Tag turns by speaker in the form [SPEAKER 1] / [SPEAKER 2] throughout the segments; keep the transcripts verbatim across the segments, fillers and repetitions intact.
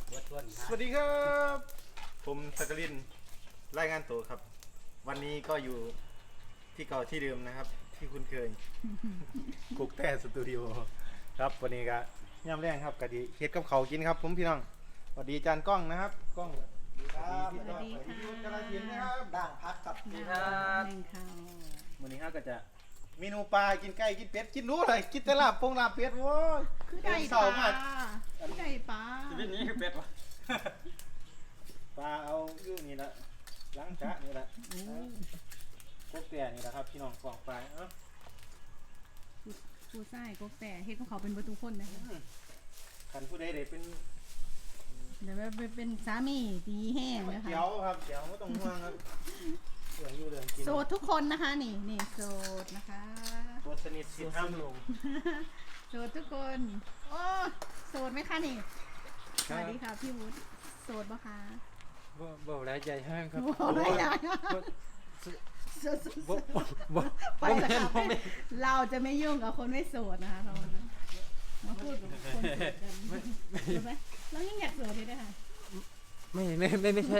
[SPEAKER 1] สวัสดีครับผมสักกลินรายงานตัวครับวันนี้ก็อยู่ที่เก่าที่เดิมนะครับที่คุณเคย กุ๊กแต่สตูดิโอครับวันนี้ก็ย่ำแรงครับกะดีเฮ็ดกับเขาวกินครับผมพี่น้องสวัสดีจานกล้องนะครับกล้องสวัสดีพี่ต่อสวัสดีพี่กระถิ่นนะครับด่างพักกับนี่ครับวันนี้ฮะก็จะเมนูปลากินไก่กินเป็ดกินรู้เลยกินแต่ลาบพงลาบเป็ดโว้ย
[SPEAKER 2] คือไก่ปลาคือไก่ปลา
[SPEAKER 3] ชีวิตนี้คือเป็ดวะ
[SPEAKER 1] ปลาเอาอยู่นี่ละล้างจะนี่ละพวกแต่นี่แหละครับพี่น้องกล่องปลาเอ้า
[SPEAKER 2] ผู้ชายก็แต่เฮ็ดของเขาเป็นประตูคนนะคะ
[SPEAKER 1] ขันผู้ใดเด็เป็น
[SPEAKER 2] เดี๋ยวไปเป็นสามีดีแห้งนะคะ
[SPEAKER 1] เจียวครับเจียวไม่ต้องห่วงครับเรื่องอยู่เรื่องกิน
[SPEAKER 2] โสดทุกคนนะคะนี่นี่โสดนะคะ
[SPEAKER 1] ตัวสนิทสิห้ามลง
[SPEAKER 2] โสดทุกคนโอ้โสดไหมคะนี่สวัสดีค่ะพี่วุฒิโสดปะคะ
[SPEAKER 3] บ่บ่หลายใจห้างครับ
[SPEAKER 2] โอ้ไม่ได้โสด
[SPEAKER 3] บ่บ่บ่
[SPEAKER 2] ไป
[SPEAKER 3] บ่
[SPEAKER 2] แล้
[SPEAKER 3] แม่
[SPEAKER 2] วน
[SPEAKER 3] บ่แม่น
[SPEAKER 2] เราจะไม่ยุ่งกับคนไม่โสดนะคะเรามาพูดกับคนโสดกันใช่ไหมเรายิ่งอยากโสดเลยนะคะ
[SPEAKER 3] ไม่ไม่ไม่ไม่ใช่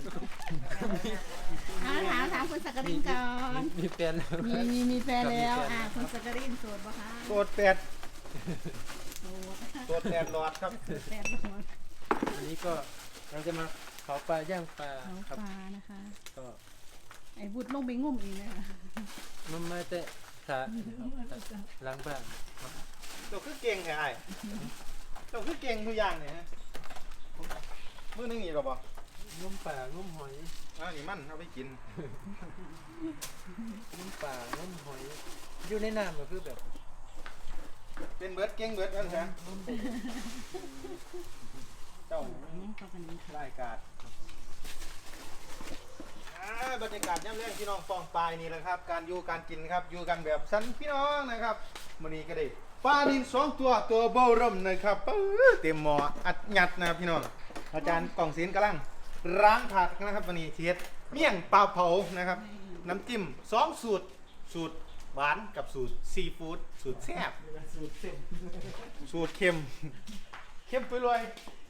[SPEAKER 2] ถามถามถามคุณสักกรินก่อน
[SPEAKER 3] มีแฟนแล้ว
[SPEAKER 2] มีมีมีแฟนแล้วอ่าคุณสักกรินโสดปะคะ
[SPEAKER 1] ตัวแปด
[SPEAKER 2] โสด
[SPEAKER 1] ตัวแปดหลอดครับ
[SPEAKER 2] แฟนโสด
[SPEAKER 3] อันนี้ก็เราจะมาเผาปลาย่างปลา
[SPEAKER 2] เขา
[SPEAKER 3] ครับ
[SPEAKER 2] ปลานะคะ
[SPEAKER 3] ก็
[SPEAKER 2] ไอ้บุตรลงไปงุ่มเองนะคะ
[SPEAKER 3] มันมาแต่สาล้างบ้าน
[SPEAKER 1] ตัวคือเก่งแค่ไอ้ตัวคือเก่งทุกอย่างเนี่ยฮะมื้อนึงนี่หรอปะ
[SPEAKER 3] งมป่างมหอย
[SPEAKER 1] อ่านี่มันเอาไปกิน
[SPEAKER 3] งมป่างมหอย อยู่ในน้ำก็คือแบบ
[SPEAKER 1] เป็นเบิร์ดเก่งเบิร์ดนั่นใช่
[SPEAKER 3] งมบ่
[SPEAKER 1] เจ้า
[SPEAKER 2] เข้ากันนี้ค่ะ
[SPEAKER 1] รายการอ่าบรรยากาศย่ำแรงพี่น้องฟองปลายนี่แหละครับ การอยู่การกินครับอยู่กันแบบสันพี่น้องนะครับมื้อนี้ก็ได้ปลาดินสองตัวตัวเบาเริ่มนะครับปื๊ดเต็มหม้ออัดยัดนะครับพี่น้องอาจารย์กล่องศิลป์กำลังล้างผักนะครับวันนี้เทียดเมี่ยงปลาเผานะครับน้ำจิ้มสองสูตรสูตรหวานกับสูตรซีฟู้ดสูตรแซ่บสูตรเค็มสูตรเค็มเข้มไปเลย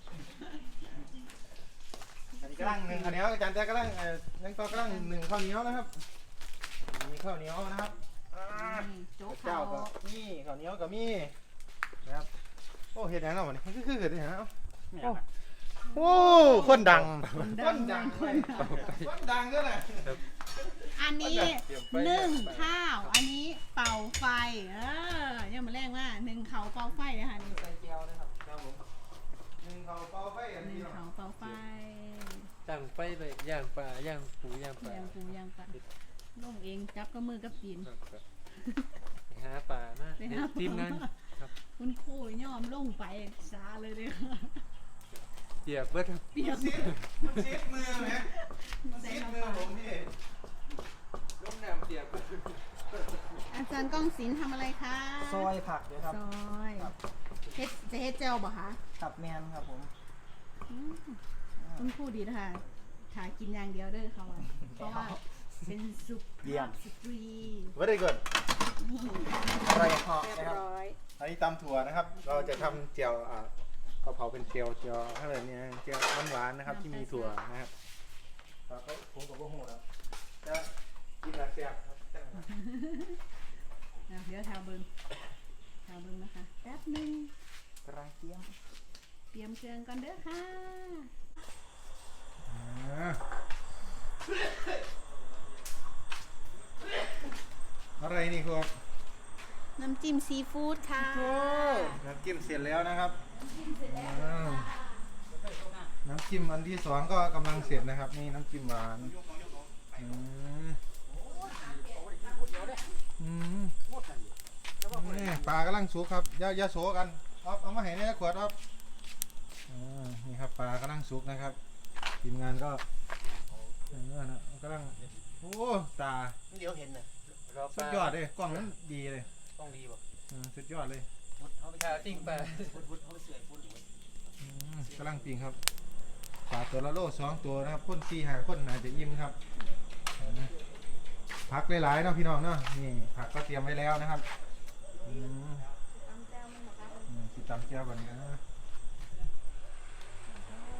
[SPEAKER 1] อันนี้กำลังหนึ่งข้าวเหนียวอาจารย์แต่กำลังเอ่อนั่งต่อกำลังหนึ่งข้าวเหนียวนะครับมีข้าวเหนียวนะครับอ่า
[SPEAKER 2] โจ๊ก
[SPEAKER 1] เจ้า
[SPEAKER 2] เขา
[SPEAKER 1] ก็มีข้าวเหนียวก็มีนะครับโอ้เห็ดแหนวะนี่มันคือคือเห็ดแหนวโอ้โอ้คนดังคนดังเลยคนดังก็เลย
[SPEAKER 2] อันนี้นึ่งข้าว อันนี้เป่าไฟเออเนี่ยมาแรกว่าหนึ่งเขาเป่าไฟนะคะนี่
[SPEAKER 1] ใส่เจียวนะครับครับผมหนึ่งเขาเป่าไฟอัน
[SPEAKER 2] ห
[SPEAKER 1] นี้
[SPEAKER 2] นึ่ง
[SPEAKER 1] เนาะ
[SPEAKER 2] เขาเป่าไฟ
[SPEAKER 3] ตั้งไฟไปย่างปลาย่างปูย่างปลา
[SPEAKER 2] ย่างปูย่างปลาลงเองจับกับมือกับตีน
[SPEAKER 3] ครับครับไปหาปลามา
[SPEAKER 2] ไปหาปลา
[SPEAKER 3] ทีมงานครับ
[SPEAKER 2] คุณครูย่อมลงไปซาเลยเลย
[SPEAKER 3] เปียกเบิดครับ
[SPEAKER 2] เปียก
[SPEAKER 1] ซีดมันซีดมือไหมมันซีดมือผมพี่
[SPEAKER 3] ลงน้ำเปียกเบิด
[SPEAKER 2] อาจารย์ก้องศิลป์ทำอะไรคะ
[SPEAKER 4] ซอยผักเลยครับ
[SPEAKER 2] ซอยเฮ็ดจะเฮ็ดเจลบ่คะ
[SPEAKER 4] ตับแมนครับผม
[SPEAKER 2] อืมคุณครูดีนะคะถ่ายกินอย่างเดียวเด้อเขาอะเพราะว่าเป็นสุภาพสตรี
[SPEAKER 1] ว่าได้ก่อน
[SPEAKER 4] อร่อยเหาะ
[SPEAKER 2] เรีย
[SPEAKER 4] นะ
[SPEAKER 2] บ
[SPEAKER 4] ครับ
[SPEAKER 2] ร้อย
[SPEAKER 1] อันนี้ตำถั่วนะครับ เราจะทำเจียวอ่าข้าวเผาเป็นเจียวเจียวอะไรเนี่ยเจียวหวานๆนะครับที่มีถั่วนะครับแล้วก็ผมกับพวกหูครับจะกินแบบแซ่บครับ
[SPEAKER 2] อ่ะเดี๋ยวทาเบิ้งทาเบิ้งนะคะแป๊บหนึง
[SPEAKER 4] กระเทียม
[SPEAKER 2] เตรียมเครื่องก่อนเด้อค่ะ
[SPEAKER 1] อ่าอะไรนี่ครับ
[SPEAKER 2] น้ำจิ้มซีฟู้ดค่ะ
[SPEAKER 1] น้ำจิ้มเสร็จแล้วนะครับอ่าน้ำจิ้มอันที่สองก็กำลังเสร็จนะครับ นี่น้ำจิ้มหวานอืมอืมนี่ปลากำลังสุกครับอย่าอย่าโสกันเอาเอามาให้ในขวดครับอ่านี่ครับปลากำลังสุกนะครับทีมงานก็เออนะกำลังโอ้ตา
[SPEAKER 4] เดี๋ยวเห็นนะ
[SPEAKER 3] รอป
[SPEAKER 1] สุ
[SPEAKER 3] ลา
[SPEAKER 1] ดยอดเลยกล้องนั้นดีเลย
[SPEAKER 4] ต้องดีป่ะ
[SPEAKER 1] อืมสุดยอดเลย
[SPEAKER 4] เขาไป
[SPEAKER 3] ชาติ้งปลา
[SPEAKER 4] ฟุดฟุดเขาไปเสื่อยฟุดอยู่
[SPEAKER 1] อืมกำลังปิงครับปลาตัวละโลสองตัวนะครับพ่นสี่หาพ่นอาจจะอิ่มครับเห็นไหมผักหลายๆเนาะพี่น้องเนาะนี่ผักก็เตรียมไว้แล้วนะครับอืมอืมสิตำแก้วก่อนนะ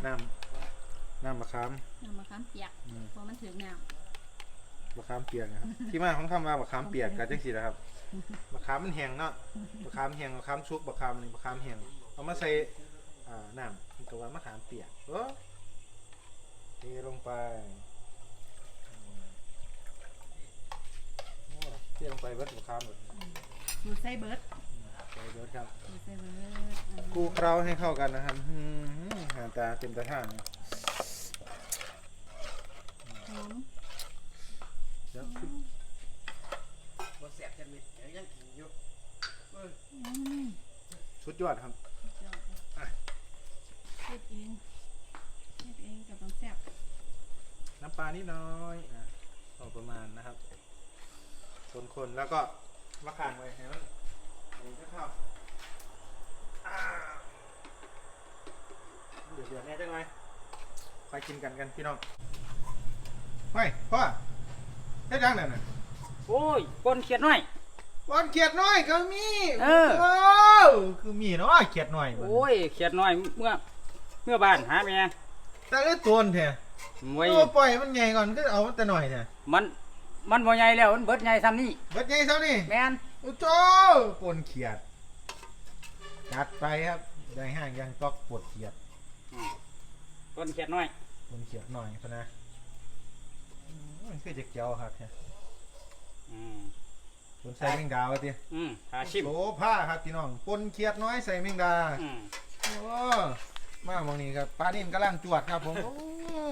[SPEAKER 1] น้ำน้ำมะขาม
[SPEAKER 2] น้ำมะขามเปียก
[SPEAKER 1] อืม
[SPEAKER 2] เพราะมันถึงน้
[SPEAKER 1] มะขามเปียกนะครับ ที่มาของคำว่ามะขามเปียกก็จังซี่นะครับมะขามมันแห้งเนาะมะขามแห้งมะขามชุกมะขามนี่มะขามแห้งเอามาใส่อ่าน้ำมันก็ว่ามะขามเปียกเออเทลงไปอืมโอ้เทลงไปเบิดมะขามหมด
[SPEAKER 2] ำดูไส้เบิร์ด
[SPEAKER 1] ใส่เบิดครับ
[SPEAKER 2] ดูไส้เบิร์ดอ่า
[SPEAKER 1] คลุกเคล้าให้เข้ากันนะครับอืมหน้าตาเต็มตาท่างเลย
[SPEAKER 2] หอม
[SPEAKER 1] เดี๋ยว
[SPEAKER 4] บ่แสบจังมิดเดี๋ยวยังกินอยู่
[SPEAKER 2] อืม
[SPEAKER 1] ชุดยอดครับ
[SPEAKER 2] เจ้าเฮ็ดเองเฮ็ดเองกับต้องแซ่บ
[SPEAKER 1] น้ำปลานิดน้อยอ่ะพอประมาณนะครับคนๆแล้วก็มะขามไว้ให้มันอันนี้ก็เข้าอ่าเดือดเดือดแน่จังเลยไปกินกันกันพี่น้องเฮ้ยพ่อเฮ็ดยังนั่นน่ะ
[SPEAKER 5] โอ้ยปนเขียดน้อย
[SPEAKER 1] วันเขียดน้อยก็มี
[SPEAKER 5] เออ
[SPEAKER 1] โอ้คือมีเนาะเขียดน้อยบัดนี้
[SPEAKER 5] โอ้ยเขียดน้อยเมื่อเมื่อบ้านหาแม่
[SPEAKER 1] แต่เลือดตัวมันแท้
[SPEAKER 5] ไว้
[SPEAKER 1] ตัวปล่อยมันใหญ่ก่อนก็เอามันแต่หน่อยแท้
[SPEAKER 5] มันมันบ่ใหญ่แล้วมันเบิดใหญ่ซ้ำนี่
[SPEAKER 1] เบิดใหญ่เท่านี้
[SPEAKER 5] แม่น
[SPEAKER 1] โอ้โจปนเขียดจัดไปครับได้ห้างยังตอกปวดเขียด
[SPEAKER 5] ปนเขียดน้อย
[SPEAKER 1] ปนเขียดหน่อยพะนะอืมมันคือจะเกี่ยวครับเนี่ย
[SPEAKER 5] อืม
[SPEAKER 1] ปนใส่แมงดาวะที
[SPEAKER 5] อืมหาชิม
[SPEAKER 1] โซผ้าครับพี่น้องปนเขียดน้อยใส่แมงดา
[SPEAKER 5] อืม
[SPEAKER 1] โอ้มามองนี้ครับปลานิ่มกำลังจวดครับผมโอ้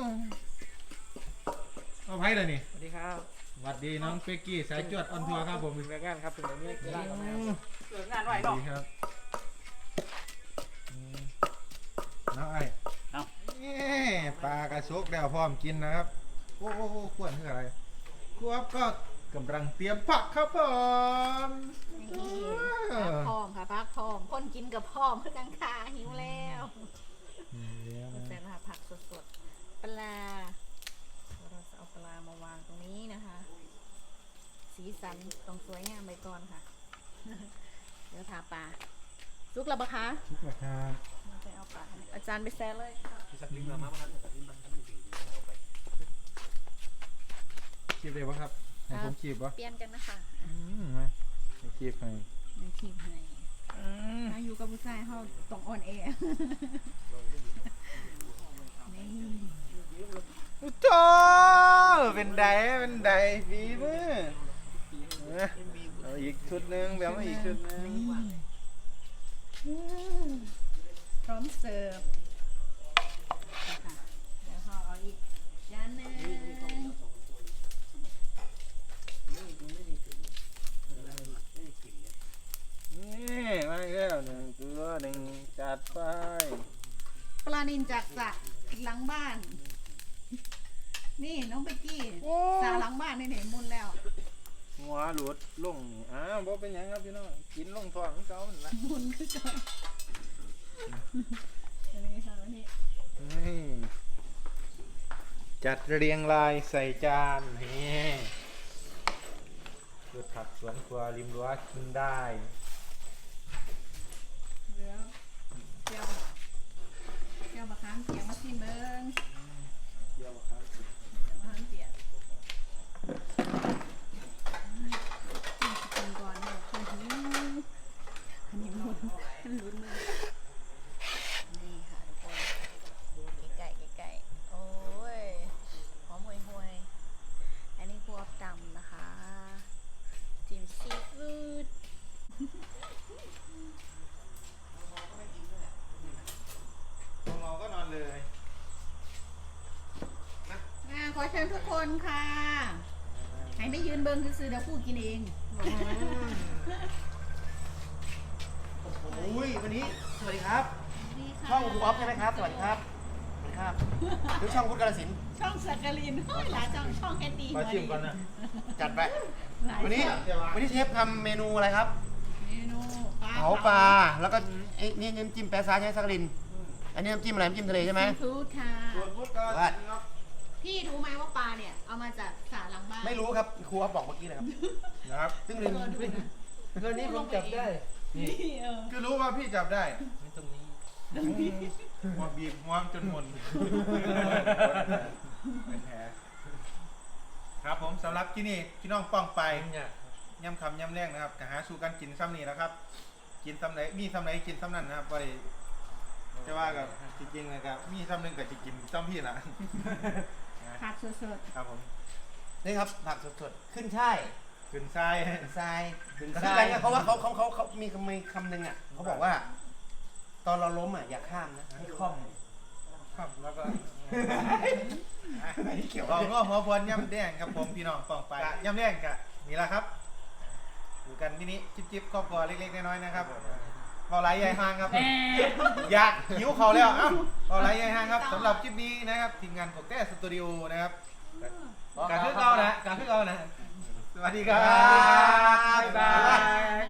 [SPEAKER 1] เอาไพ่เลยนี่
[SPEAKER 3] สวัสดีครับ
[SPEAKER 1] สวัสดีน้องเป๊กกี้สายจวดออนทัวร์ครับผม
[SPEAKER 3] เป็นแม่งานครับเป็นแบบนี้กีฬาครับ
[SPEAKER 1] อืม
[SPEAKER 5] เลิกงานไว้
[SPEAKER 1] สวัส
[SPEAKER 5] เนาะ
[SPEAKER 1] ดีครับอืมน้องไอ้
[SPEAKER 5] เอา
[SPEAKER 1] เอ้ปลากระชกแล้วพร้อมกินนะครับ โอ้โหขวดคืออะไรครัวก็กำลังเตรียมผักครับผม
[SPEAKER 2] นี่พักพร้อมค่ะพักพร้อมคนกินกับพร้อมเพื่อกันค่ะหิวแล้ว
[SPEAKER 1] นี่แล้วนะ
[SPEAKER 2] แซ่บนะคะผักสดๆปลาเราจะเอาปลามาวางตรงนี้นะคะ สีสันต้องสวยงามไปก่อนค่ะ เดี๋ยวทาปลาซุกแล้วปะคะ
[SPEAKER 1] ชุกนะครับ
[SPEAKER 2] ไปเอาปลาอาจารย์ไปแซ่เลย
[SPEAKER 4] สักลิ้นมามามันสักลิ้นมันมันดีๆเอาไป
[SPEAKER 1] คีบเลยปะครับให้ผมคีบปะ
[SPEAKER 2] เปลี่ยนกันนะคะ
[SPEAKER 1] อืมมาให้คีบให้
[SPEAKER 2] ในทีมให้ถ้าอยู่กับผู้ชายเขาต้องอ่อนแอนี่
[SPEAKER 1] โจเป็นไดเป็นไดฝีมือเอาเอาอีกชุดหนึงแบบมาอีกชุดหนึง
[SPEAKER 2] พร้อมเสิร์ฟนะคะเดี๋ยวเขาเอาอีกจานหนึง
[SPEAKER 1] นี่มาอีกแล้วหนึ่งตัวหนึ่งจัดไป
[SPEAKER 2] ปลานินจากสระหลังบ้าน นี่น้องเบกกี้สระหลังบ้านนี่เห็นมุนแล้ว
[SPEAKER 1] หัวหลุดลงนี่อ้าวบ่เป็นหยังครับพี่น้องกินลงท้องของเขามันละ
[SPEAKER 2] มุนคือกันอันนี้ค่ะอันนี้
[SPEAKER 1] นี่จัดเรียงรายใส่จานนี่พืชผักสวนครัวริมรั้วกินได้
[SPEAKER 2] เหลือเจียวเจียวมะขามเปียกมาชิมเบิ้ง
[SPEAKER 1] เกี่ยวครับ
[SPEAKER 2] มะขามเปียกกินก่อนเนี่ยคนหิวอันนี้มุนมันลุ้นมือนี่ค่ะทุกคนไก่ไก่โอ้ยหอมห่วยห่วยอันนี้พวกดำนะคะจิ้มซีฟู้ด
[SPEAKER 1] ของเราก็นอนเลย
[SPEAKER 2] อ่าขอเชิญทุกคนค่ะให้ไม่ยืนเบิ้งซื้อๆเดี๋ยวพูดกินเอง
[SPEAKER 4] อุ้ยวันนี้สวัสดีครับ
[SPEAKER 2] ดีค่ะ
[SPEAKER 4] ช่องบูออฟใช่ไหมครับสวัสดีครับสวัสดีครับหรือช่องพุทธกาลสินธุ์
[SPEAKER 2] ช่องสักกลินโอ้ยหลายช่องช่องแคดดี้
[SPEAKER 1] มาชิมก่อนนะ
[SPEAKER 4] จัดไป
[SPEAKER 2] หลาย
[SPEAKER 4] วันนี้
[SPEAKER 2] ช่อง
[SPEAKER 4] วันนี้เชฟทำเมนูอะไรครับ
[SPEAKER 2] เมนูปลา
[SPEAKER 4] เผาปลาแล้วก็ไอ้นี่น้ำจิ้มแปะซาใช่ไหมสักลินอันนี้น้ำจิ้มอะไรน้ำจิ้มทะเลใช่ไหม
[SPEAKER 2] ซีฟู้ดค่ะ
[SPEAKER 1] ส่วนพุทธก็
[SPEAKER 4] ว่า
[SPEAKER 2] พี่รู้ไหมว่าปลาเนี่ยเอามาจากสาหลังบ้าน
[SPEAKER 4] ไม่รู้ครับครูเขาบอกเมื่อกี้เลยครับ
[SPEAKER 1] นะครับ
[SPEAKER 4] ซึ่งลิน
[SPEAKER 3] เรื่องนี้ผมจับได้
[SPEAKER 2] นี่เออ
[SPEAKER 1] คือรู้ว่าพี่จับได้
[SPEAKER 3] นี่ตรงนี้
[SPEAKER 1] อืมหัวบีบหัวจนหมดเป็นแผลครับผมสำหรับที่นี่พี่น้องป้องไป
[SPEAKER 3] เนี่ย
[SPEAKER 1] ย่ำคำย่ำแรงนะครับก็หาสู่กันกินซ้ำนี่แหล้วครับ กินซ้ำไหนมีซ้ำไหนกินซ้ำนั่นนะครับบ่ได้จะว่ากับจริงๆนะครับมีซ้ำหนึงกับจะกินซ้ำพี่ละ
[SPEAKER 2] ผักสด
[SPEAKER 1] ครับผม
[SPEAKER 4] นี่ครับผักสดๆขึ้นช่าย
[SPEAKER 1] ขึ้นทราย
[SPEAKER 4] ทราย
[SPEAKER 3] ขึ้น
[SPEAKER 4] คือ
[SPEAKER 3] ทรา
[SPEAKER 4] อะไร
[SPEAKER 3] ย
[SPEAKER 4] เนี่ยเพราะว่าเขาเขาเขาเขามีคำมีคำหนึ่งอ่ะเขาบอกว่า ตอนเราล้มอ่ะอย่าข้ามนะให้คล่อม
[SPEAKER 1] ครับแล้วก็
[SPEAKER 4] อันนี้เกี่ยว
[SPEAKER 1] ลองก็หัวพวนย่ำแดงครับผมพี่น้องป้องไปย่ำแดงกะนี่แหละครับอยู่กันที่นี้จิ๊บๆครอบครัวเล็กๆน้อยๆนะครับเบาไหลใหญ่ห่างครับ อยากหิวเขาแล้วเอ้าเบาไหลใหญ่ห่างครับสำหรับคลิปนี้นะครับทีมงานกบแต้สตูดิโอนะครับการขึ้นเรานะการขึ้นเรานะสวัสดีครับ
[SPEAKER 4] บ๊ายบาย